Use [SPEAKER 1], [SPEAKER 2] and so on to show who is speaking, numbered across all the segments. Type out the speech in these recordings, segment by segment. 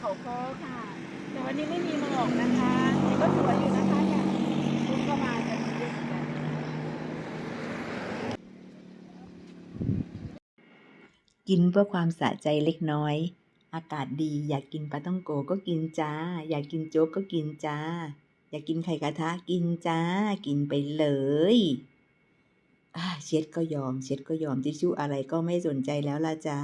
[SPEAKER 1] เขาค้อค่ะแต่วันนี้ไม่มีหมอกนะคะแต่ก็สวยอยู่นะคะเนี่ยคุณก็มากันเยอะกัน
[SPEAKER 2] กินเพื่อความสะใจเล็กน้อย อากาศดีอยากกินปลาท่องโกก็กินจ้า อยากกินโจ๊กก็กินจ้า อยากกินไข่กระทะกินจ้า กินไปเลยเช็ดก็ยอมทิชชู่อะไรก็ไม่สนใจแล้วล่ะจ้า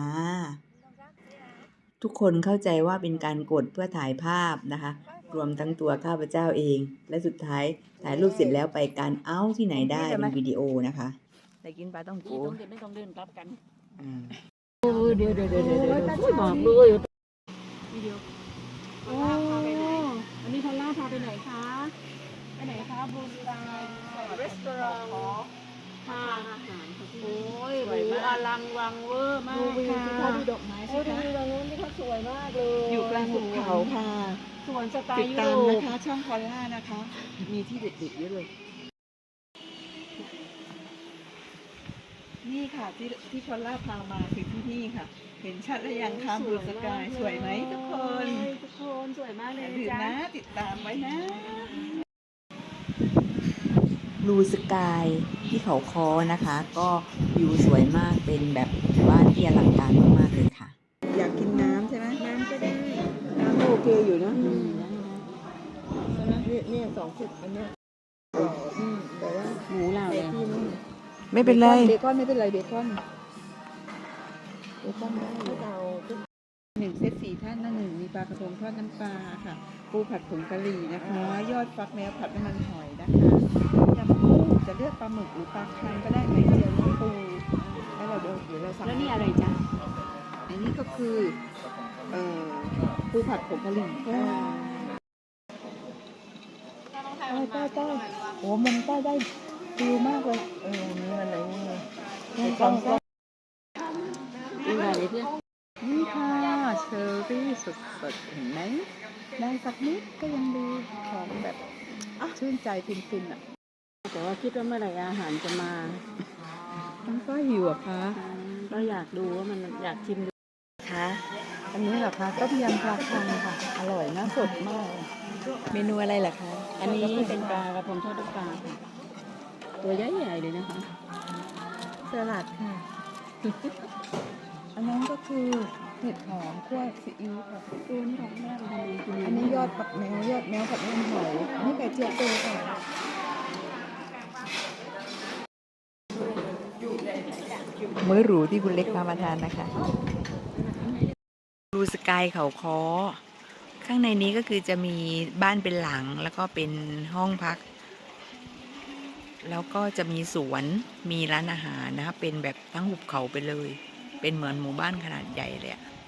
[SPEAKER 2] ทุกคนเข้าใจว่าเป็นการกดเพื่อถ่ายภาพนะคะ รวมทั้งตัวข้าพเจ้าเอง และสุดท้ายถ่ายรูปเสร็จแล้วไปการที่ไหนได้เป็นวิดีโอนะคะได้กินปลาท่องโก
[SPEAKER 1] ไม่ต้องเดินกลับกัน
[SPEAKER 3] เดี๋ยว
[SPEAKER 1] บอกเลยวิดีโอโอ้อันนี้พอลล่าพาไปไหนคะไปไหนคะบูสตาร์รีสอร์ททานอาหารโอ้ยหรูอลังวังเวอร์มากค่ะดูดอกไม้สิคะดูตรงนู้นนี่เขาสวยมากเลย
[SPEAKER 3] อยู่กลางหุบเขาค่ะ
[SPEAKER 1] สวนสไต
[SPEAKER 3] ติ
[SPEAKER 1] ล์
[SPEAKER 3] ด
[SPEAKER 1] ยุ
[SPEAKER 3] ตาม
[SPEAKER 1] โร
[SPEAKER 3] นะ
[SPEAKER 1] ป
[SPEAKER 3] คะช่องพอลล่านะคะ มีที่เด็ดๆเยอะเลย นี่ค่ะที่พอลล่าพามาคือที่นี่ค่ะ เห็นชัดหรือยังคะบลูสกายสวยไหมทุกคน
[SPEAKER 1] ทุกคนสวยมากเลย
[SPEAKER 3] อย่าลืม
[SPEAKER 1] จ้า
[SPEAKER 3] นะติดตามไว้นะ
[SPEAKER 2] บลูสกายที่เขาค้อนะคะ ก็วิวสวยมากเป็นแบบบ้านที่อลังการมากๆเลยค่ะ
[SPEAKER 3] อยากกินน้ำใช่ไหม
[SPEAKER 1] น้ำก็ได้
[SPEAKER 3] น้ำโอเคอยู่นะ
[SPEAKER 1] เนี่ย2 ขวดอันเนี้ยแต่ว่า
[SPEAKER 3] หมูเรา
[SPEAKER 1] ไอ้
[SPEAKER 3] เนี่ย
[SPEAKER 1] ที่นี่
[SPEAKER 2] ไม่เป็นไร
[SPEAKER 3] เบคอนไม่เป็นไรเบคอนได้อยู่
[SPEAKER 1] เรา
[SPEAKER 3] 1 เซต 4 ท่านนะ1มีปลากระพงทอดน้ำปลาค่ะ ปูผัดผงกะหรี่นะคะ ยอดฟักแมวผัดน้ำมันหอยนะคะยำกุ้งจะเลือกปลาหมึกหรือปลาคังก็ได้ไข่เจียวน้ำปูแล้วเดี๋ยวเราสั่ง
[SPEAKER 1] แล้วนี่อะไรจ๊ะ
[SPEAKER 3] อันนี้ก็คือปูผัดผงกะหรี่ใต้โอ้มันใต้ได้ฟิวมากเลยนี่มันอะไรนี่กล้อง
[SPEAKER 1] ดูอะไรเพื่อน
[SPEAKER 3] นี่ค่ะเชอร์รี่สดๆเห็นไหมได้สักนิดก็ยังดีหอมแบบชื่นใจฟินๆอ่ะ
[SPEAKER 1] แต่ว่าคิดว่าเมื่อไหร่อาหารจะมา
[SPEAKER 3] น้องก็หิวอะคะ
[SPEAKER 1] ก็อยากดูว่ามันอยากชิมดู
[SPEAKER 2] คะ
[SPEAKER 3] อันนี้เหรอคะต้มยำปลาคังค่ะ อร่อยนะสดมาก
[SPEAKER 2] เมนูอะไรล่ะคะ
[SPEAKER 1] อันนี้เป็นปลากระพงทอดน้ำปลาค่ะตัวใหญ่ๆเลยนะคะ
[SPEAKER 3] สลัดค่ะ อันนั้นก็คือเห็ดหอมคั่วซีอิ๊วค่ะ
[SPEAKER 1] ตัวนี้ของแม่เป็นกิน
[SPEAKER 3] อันนี้ยอดผักแมวยอดแมวผัดน้ำมันหอยอันนี้ไก่เจียวโตค่ะ
[SPEAKER 2] มื้อหรูที่คุณเล็กพามาทานนะคะบลูสกายเขาค้อข้างในนี้ก็คือจะมีบ้านเป็นหลังแล้วก็เป็นห้องพัก แล้วก็จะมีสวนมีร้านอาหารนะคะเป็นแบบทั้งหุบเขาไปเลย เป็นเหมือนหมู่บ้านขนาดใหญ่เลยอะ